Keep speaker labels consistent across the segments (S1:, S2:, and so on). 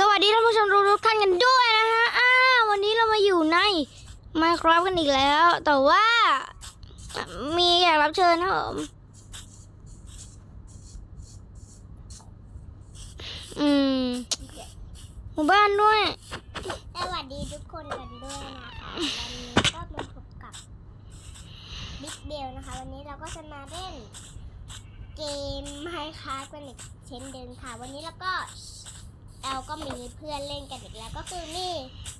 S1: วัสดีท่านผู้ชมทุกท่านกันด้วยนะฮะวันนี้เรามาอยู่ใน Minecraft กันอีกแล้ว แต่ว่ามีแขกรับเชิญครับผมหมู่บ้านด้วย
S2: สวัสดีทุกคนกันด้วยนะคะวันนี้ก็มาพบกับบิ๊กเบลนะคะวันนี้เราก็จะมาเล่นเกม Minecraft กันอีกเช่นเดิมค่ะวันนี้เราก็มีเพื่อนเล่นกันอีกแล้วก็คือนี่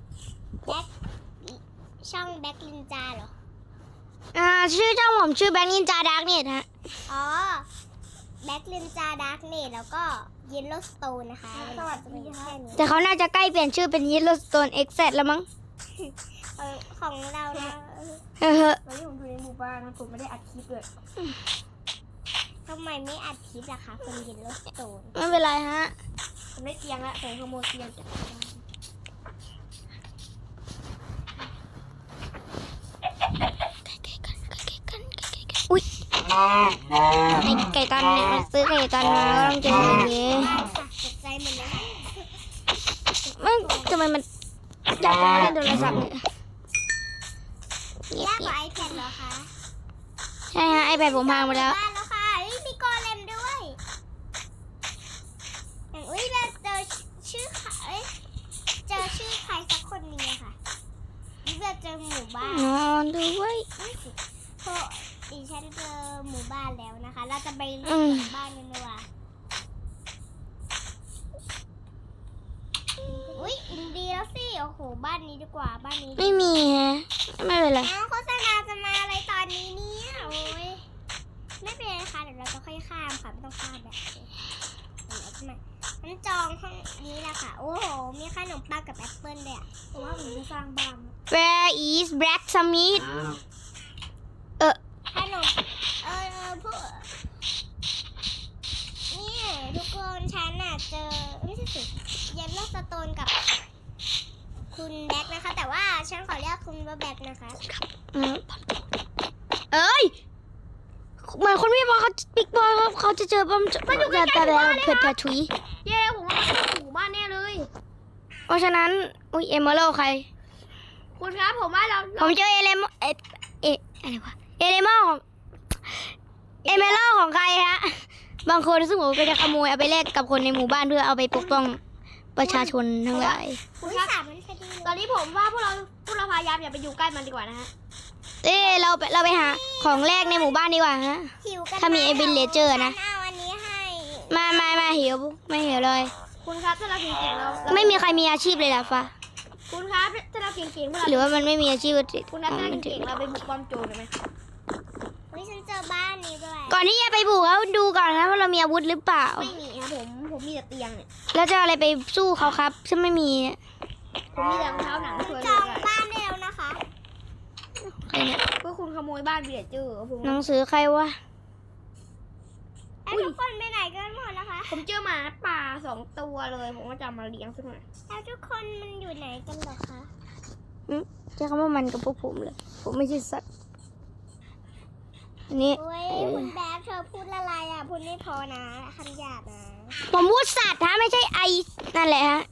S2: ช่องแบ็คลินจาเหรอ
S1: ชื่อเจ้าผมชื่อแบงค์นินจาดาร์กเน็ตฮะ
S2: อ๋อแบ็คลินจาดาร์กเน็ตแล้วก็เยลโลสโตนนะคะสวัสดีค่ะ
S1: แต่เขาน่าจะใกล้เปลี่ยนชื่อเป็น Yellowstone Exit แล้วมั้ง
S2: ของเรานะ
S3: วันนี้ผมอยู่ในหมู่บ้านนะผมไม่ได้อัดคลิปเลย
S2: ทำไมไม่อัดคลิปล่ะคะคนเยลโลสโตน
S1: ไม่เป็นไรฮะ
S3: ผมได้เตียงละผมขโมยเตียงจากบ้าน
S1: อุ้ยไอ้ไก่ตันเนี่ยมันซื้อไก่ตันมาแล้วต้องเจออย่างนี้
S2: ตกใจหมดเลย
S1: มันทำไมมันอยากจะมาเล่นโทรศัพท์เนี่ย
S2: ยากกว่า iPad เหรอคะ
S1: ใช่ฮะ iPad ผมพังหมดแล้ว
S2: บ้านแล้วค่ะมีกอเลมด้วยอย่างเราเจอชื่อใครสักคนนึงอะค่ะเราเจอหมู่บ้าน
S1: นอนด้วย
S2: เพราะดิฉันเจอหมู่บ้านแล้วนะคะเราจะไปหมู่บ้านกันดีกว่าอินเดียสิโอ้โหบ้านนี้ดีกว่าบ้านนี้
S1: ไม่มีฮะไม่เป็นไร
S2: โฆษณาจะมาอะไรตอนนี้เนี่ยโอ้ยไม่เป็นไรค่ะเดี๋ยวเราจะค่อยข้ามค่ะไม่ต้องข้ามแบบมันจองห้องนี้แหละค่ะโอ้โหมีขนมปังกับแอปเปิ้ลเลยอ่ะเพราะว่าผมจะสร้างบ้าน
S1: Where is Black Summit
S2: ขนมพวกนี่ทุกคนฉันน่ะเจอไม่ใช่สิเยลโลสโตนกับคุณแบ็คนะคะแต่ว่าฉันขอเรียกคุณว่าแบ็คนะคะ
S1: เอ้ยเหมือนคนพี่บอลเขาบิ๊กบอลเขาจะเจอป้อมแต่แล้วเผ็ดถุย
S3: ผมว่ามันหมู่บ้านแน่เลย
S1: เพราะฉะนั้นอุ้ยเอเมอรัลใคร
S3: คุณครับผมว่า
S1: ผมเจออะไรวะเอเลมอลของเอเมอรัลของใครฮะบางคนซึ่งผมก็จะขโมยเอาไปแลกกับคนในหมู่บ้านเพื่อเอาไปปกป้องประชาชนทั้งหลาย
S2: คุณครับ
S3: ตอนนี้ผมว่าพวกเราพยายามอย่าไปอยู่ใกล้มันดีกว่านะฮะ
S1: เราไปหาของแรกในหมู่บ้านดีกว่าฮะถ้ามีไอ้วิลเลเจอร์นะ
S2: เอาอันนี้ให้
S1: มาหิวไม่หิวเลย
S3: คุณครับถ้าเราเก่งๆเรา
S1: ไม่มีใครมีอาชีพเลยล่ะฟ้า
S3: คุณครับถ้าเราเก่งๆ
S1: หรือว่ามันไม่มีอาชีพ
S3: คุณครับถ้าเก่งๆเราไปบุกป้อมโจรได้ไหม
S2: ฉันเจอบ้านนี้ด้วย
S1: ก่อนที่จะไปบุกเขาดูก่อนนะว่าเรามีอาวุธหรือเปล่า
S3: ไม่มีครับผมมีแต่เตียงเนี่ย
S1: แล้วจะอะไรไปสู้เขาครับฉันไม่มี
S3: ผมมีแต่รองเท้าหนังช่วย
S2: จองบ้านแล้วนะคะ
S1: ใครเนี่ย
S3: ก็คุณขโมยบ้านเบียดเจอผม
S1: หนังสือใครวะ
S2: ทุกคนไปไหนกันหมดแล้วคะ
S3: ผมเจอหมาป่า2 ตัวเลยผมก็จะมาเลี้ยงสักหน่อย
S2: แล้วทุกคนมันอยู่ไหนกันหรอคะ
S1: ใช้คำว่ามันกับพวกผมเลยผมไม่ใช่สัตว์นี่
S2: คุณแบ๊บเธอพูดอะไรอ่ะพูดไม่พอนะคำหยาบนะ
S1: ผมพูดสัตว์ฮะไม่ใช่ไอนั่นแหละฮะ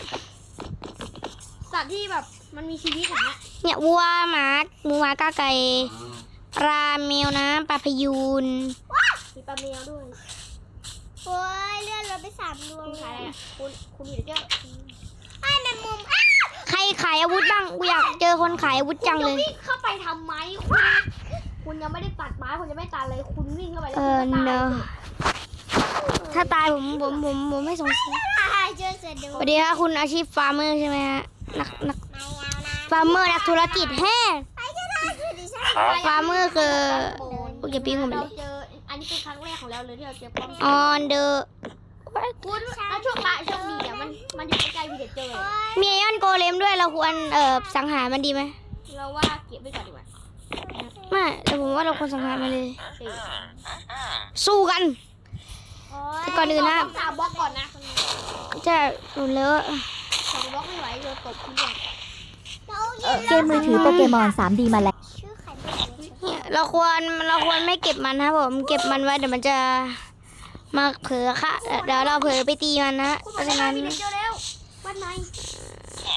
S3: สัตว์ที่แบบมันมีชีวิตอย่างเงี้ย
S1: เนี่ยวัวหมาหมูหมากาไก่ปลาแมวนะปลาพยูน
S3: มีปลาแมวด้วย
S2: โอ้ยเลื่อนรถไป3 ดวง
S3: คุณขายอะไรคุณอยู่เจ้า
S2: ไอ้แมงมุม
S1: ใครขายอาวุธบ้างกูอยากเจอคนขายอาวุธจังเลย
S3: วิ่งเข้าไปทำไมคุณยังไม่ได้ตัดไม้คุณจะไม่ตัดเลยคุณวิ่งเข้าไปแล้ว
S1: เนอะถ้าตายผมไม่สงสัยสวัสดีค่ะคุณอาชีพฟาร์มเมอร์ใช่ไหมฮะนักฟาร์มเมอร์นักธุรกิจแฮ่ฟาร์มเมอร์คือพวกเก็บปิ้งผมเลย
S3: อันนี้เป็นครั้งแรกของเราเลยที่เราเจอป้อม
S1: on the
S3: คุณแล้วช่วงดีอ่ะมันอยู่ใกล้ๆพีเดเจอร์
S1: มีไอออนโกเลมด้วยเราควรสังหารมันดีไหม
S3: เราว่าเก็บไว้ก่อนดีกว่า
S1: ไม่แต่ผมว่าเราควรสังหารมันเลยสู้กันแต่ก่อนอื่นนะ
S3: 3 บล็อกก่อนนะ
S1: จะหลุดเลอะ
S3: 2 บล็อกไม่ไหวโดนตบทีเดียว
S4: เกมมือถือโปเกมอน 3D มาแล้ว
S1: เราควรไม่เก็บมันครับผมเก็บมันไว้เดี๋ยวมันจะมาเผลอค่ะเดี๋ยวเราเผลอไปตีมันนะเพราะฉะนั้น
S3: เจอแล้วม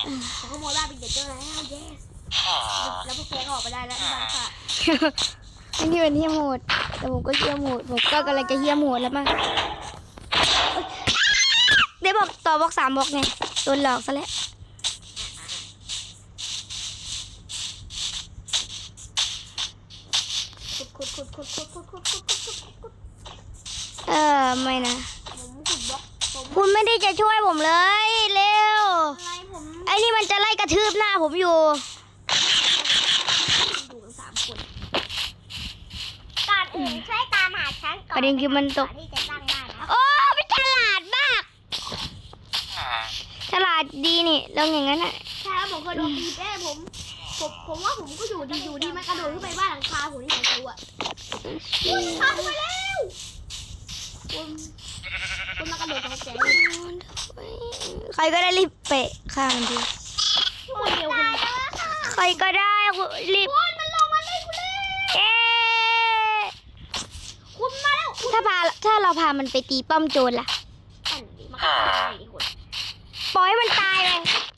S3: ผมขโมยบ้านเป็นเด็กเจอแล้ว yes แล้วพวกแกก็ออกไปได้แล้วที่บ้านค่ะ
S1: อันนี้เป็นเฮี้ยโหดแต่ผมก็เฮี้ยโหดผมก็กำลังจะเฮี้ยโหดแล้วมั้งได้บอกต่อบล็อก3บล็อกไงโดนหลอกซะแล้วไม่นะ
S3: ผมขุดบล็อกผม
S1: คุณไม่ได้จะช่วยผมเลยเร็ว
S3: อะไรผม
S1: ไอ้นี่มันจะไล่กระทืบหน้าผมอยู่
S3: อยู่กัน3 คน
S2: ก่อนอื่นช่วยตามหาฉันก่อน
S1: ประเด็นคือมันตก
S2: ก่อนที่จะสร้างบ้านนะ
S1: โอ้ไม่ฉลาดมากฉลาดดีนี่ลองอย่างนั้นอ่ะ
S3: ใช่แล้วผมเคยโดนตีแป้ผมว่าผมก็อยู่ดีมันกระโดดขึ้นไปบ้านหลังคาผมที่ผมรู้อ่ะพาขึ้นไปแล้วคุณมากระโดดของแกง
S1: ใครก็ได้รีบเปะข้างดี
S3: คนเดียวคุณ
S1: ใครก็ได้รีบ
S3: มันลงมาเลยคุณเล่
S1: เอ๊ะ
S3: คุณมาแล้ว
S1: ถ้าเราพามันไปตีป้อมโจรล่ะ
S3: อันนี้มันก็ตายดิคุณ
S1: ปล่อยให้มันตายเลย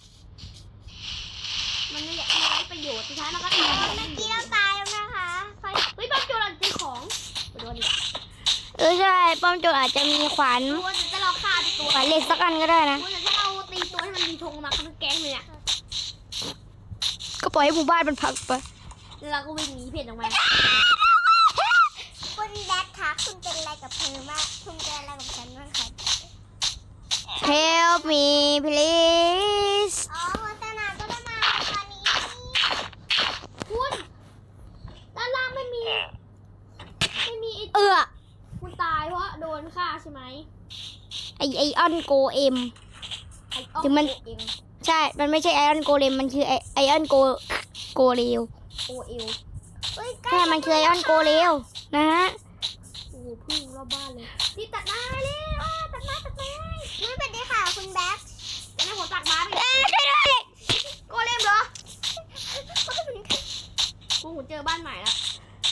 S3: มันไม่ไร้ประโยชน์สุดท้ายมันก็ตาย
S2: เมื่อกี้เราตายแล้วนะคะค่อย
S3: เฮ้ยบ้านโจรตีของไปโดนดิ
S1: ใช่ป้อมโจรอาจจะมีขวาน
S3: ตัวจะเราฆ่าตัว
S1: ขวานเหล็กสักอันก็ได้นะ
S3: คุณแต่ถ้าเราตีตัวให้มันมีธงมาเขาแก๊งเลยอ่ะ
S1: ก็ปล่อยให้หมู่บ้านมันพังไป
S3: แล้วเราก็วิ่งหนีเพจออกมา
S2: คุณแดดคะคุณเป็นอะไรกับเธอมากคุณเป็นอะไรกับฉันบ้างคะ
S1: Help me please
S2: อ๋อโฆษณาก็ได้มาตอนนี้
S3: คุณด้านล่างไม่มีคุณตายเพราะโดนฆ่าใช่ไหม
S1: ไอออนโกเอ็ม ถึงมัน
S3: เอ็ม
S1: ใช่ มันไม่ใช่ไอออนโกเลมมันคือไอออนโกเรล
S3: โอเอล
S1: ใช่มันคือไอออนโกเรลนะฮะ
S3: โอ้โหพึ่งรอบบ้านเลยนี่ตัดหน้าเลยตัดหน้า
S2: ไม่เป็นไรค่ะคุณแบ็ค
S3: แล้วผมตัดม้าไป
S1: ช่วยด้วย
S3: โกเลมเหรอกูเจอบ้านใหม่แล้ว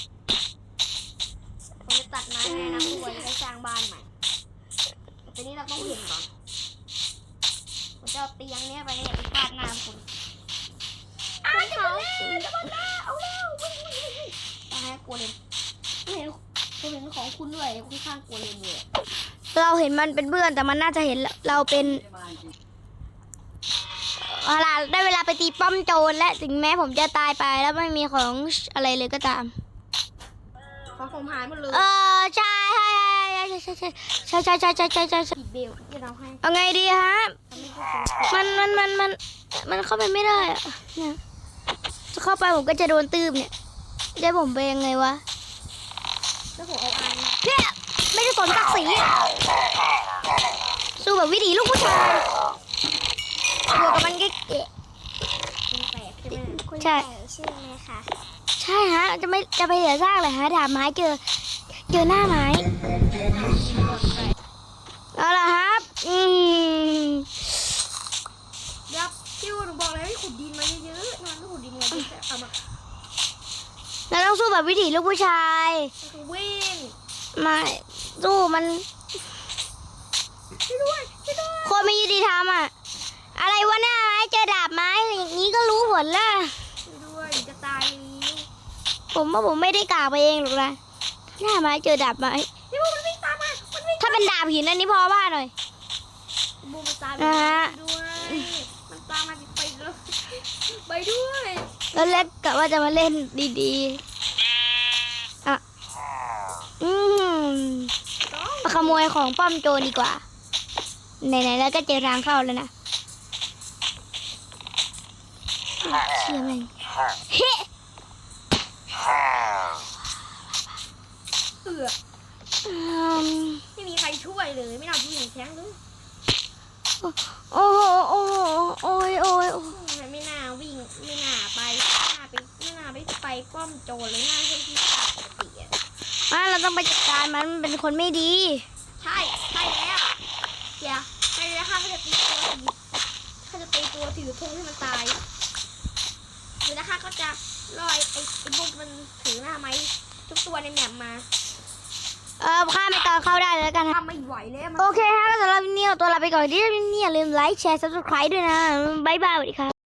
S3: ผมจะตัดไม้ให้นะคุณจะได้สร้างบ้านใหม่แต่นี้เราต้องเห็นก่อนผมจะเอาเตียงเนี้ยไปเนี่ยไปฟาดหน้าคุณจะมาแล้วเอาเร็ววิ่งตายโกเลมผมเห็นของคุณด้วยคุณข้างโกเลมเลย
S1: เราเห็นมันเป็นเพื่อนแต่มันน่าจะเห็นเราเป็นเอาล่ะได้เวลาไปตีป้อมโจรและถึงแม้ผมจะตายไปแล้วไม่มีของอะไรเลยก็ตาม
S3: ของผมหายหมดเลย
S1: ใช่ใช่
S3: ผิดเบลที่เราให้
S1: เอาไงดีฮะ มันเข้าไปไม่ได้อะเนี่ยจะเข้าไปผมก็จะโดนตืบเนี่ยได้ผมไปยังไงวะ
S3: แล้วผมเอาอัน
S1: เนี่ยไม่ได้สนศักดิ์ศรีสู้แบบวิถีลูกผู้ชายบวกกับมันเก๊ะ
S3: คุณแตกใช่ไหม
S2: คุณ
S1: ใช่
S2: ใส่ชื่อไหมคะ
S1: ใช่ฮะจะไปเหลือซากเลยฮะดาบไม้เจอหน้าไม้เอาล่ะครับ
S3: เดี๋ยวพี่วหนูบอกเลยให้ขุดดินมาเยอะๆมันไม่ขุดดินไงพี่จะเอามา
S1: เราต้องสู้แบบวิถีลูกผู้ชาย
S3: วิ่ง
S1: มาสู้มัน
S3: ช่วยด้วย
S1: โคนไม่ยุติธรรมอ่ะอะไรวะหน้าไม้เจอดาบไม้อย่างนี้ก็รู้ผลละ
S3: ช่วยด้วยจะตายนี้
S1: ผมว่าผมไม่ได้กล่าวไปเองหรอกนะหน้าไม้เจอดาบไม้
S3: พี่บูมันวิ่งตามมามันวิ่ง
S1: ถ้าเป็นดาบหินอันนี้พอว่าหน่อย
S3: บูมันตาม
S1: อ่า
S3: ด้วยมันตามมาไปเลยไปด้วย
S1: แล้วเล็กกะว่าจะมาเล่นดีๆอ่ะมาขโมยของป้อมโจรดีกว่าไหนๆแล้วก็เจอทางเข้าแล้วนะเชี่ยแม่งเฮ้
S3: ไม่มีใครช่วยเลยไม่น่าจะยิงแท้งเลย
S1: โอ้โหโอ้โหโอ้ยโอ้ย
S3: ไม่น่าวิ่งไม่น่าไปป้อมโจรเลยน่าให้ที่ตัดปกติอ่ะ
S1: เราต้องไปจัดการมันเป็นคนไม่ดี
S3: ใช่แล้วเดี๋ยวใช่แล้วค่ะเขาจะตีตัวถือธงให้มันตายเดี๋ยวนะคะก็จะลอยไอ้พวกมันถือหน้าไม้ทุกตัวในแมปมา
S1: ข้ามไปตอนเข้าได้เลยแล้วกันครับ
S3: ไม่ไหวแล้วมัน
S1: โอเคฮะแล้วสำหรับวันนี้เอาตัวลาไปก่อนที่นี่อย่าลืมไลค์แชร์ subscribe ด้วยนะบ๊ายบายสวัสดีครับ